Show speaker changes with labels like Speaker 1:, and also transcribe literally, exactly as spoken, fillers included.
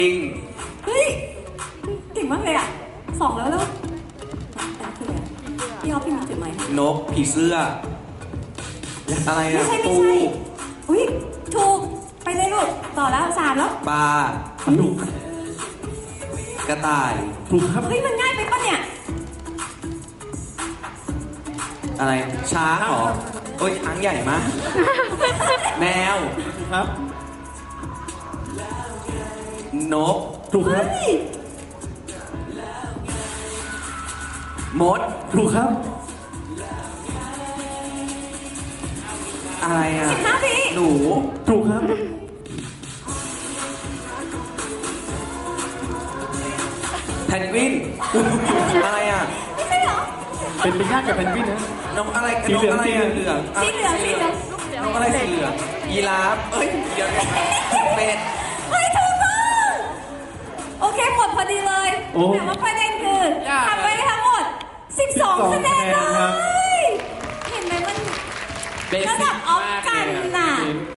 Speaker 1: จริง
Speaker 2: เฮ้ยเก่งมากเลยอ่ะสองแล้วแล้วพี่ออฟพี่มาถึงไหม
Speaker 1: นกผีเสื้ออะไรอะ
Speaker 2: ไม่ใช่ไม่
Speaker 1: ปู
Speaker 2: ใช่อุ้ยถูกไปเลยลูกต่อแล้วสามแล้ว
Speaker 1: ปลาดุกกระต่าย
Speaker 3: ถูกครับ
Speaker 2: เฮ้ยมันง่ายไปปะเนี่ย
Speaker 1: อะไรช้างเหรอโอ้ยช้างใหญ่มากแมว
Speaker 3: ครับ
Speaker 1: นก
Speaker 3: ถูกครับ
Speaker 2: เฮ้ย
Speaker 1: มด
Speaker 3: ถูกครับ
Speaker 1: อะไรอะ
Speaker 2: สิบห้าวิ
Speaker 1: หนู
Speaker 3: ถูกครับ
Speaker 1: แพนกวินอะไรอะ
Speaker 2: ไม่ใช่เหรอ
Speaker 3: เป็นไปยากกับเพนกวินนะ
Speaker 1: นกอะไร
Speaker 3: สี
Speaker 1: นก
Speaker 3: เหลือง
Speaker 1: อะไร
Speaker 3: สี
Speaker 1: อะ
Speaker 3: เห
Speaker 1: เห
Speaker 3: ลื
Speaker 1: ลื
Speaker 3: อ
Speaker 1: อง ง
Speaker 2: สีเหลืองสีเหลือง
Speaker 1: นกอะไรสีเหลืองยีราฟเอ้ยเดี๋ยวเป็ด
Speaker 2: เฮ้ยถูกต้องโอเคหมดพอดีเลย
Speaker 3: โอ้
Speaker 2: แต่ว่าประเด็นคือ
Speaker 1: ยาก
Speaker 2: ทำไปได้ทั้งหมดสิบสอง
Speaker 3: สิบสอง
Speaker 2: คะแนน
Speaker 3: คะแนนครับ
Speaker 2: เลยเห็นไหมมันระดับออฟกันน่ะ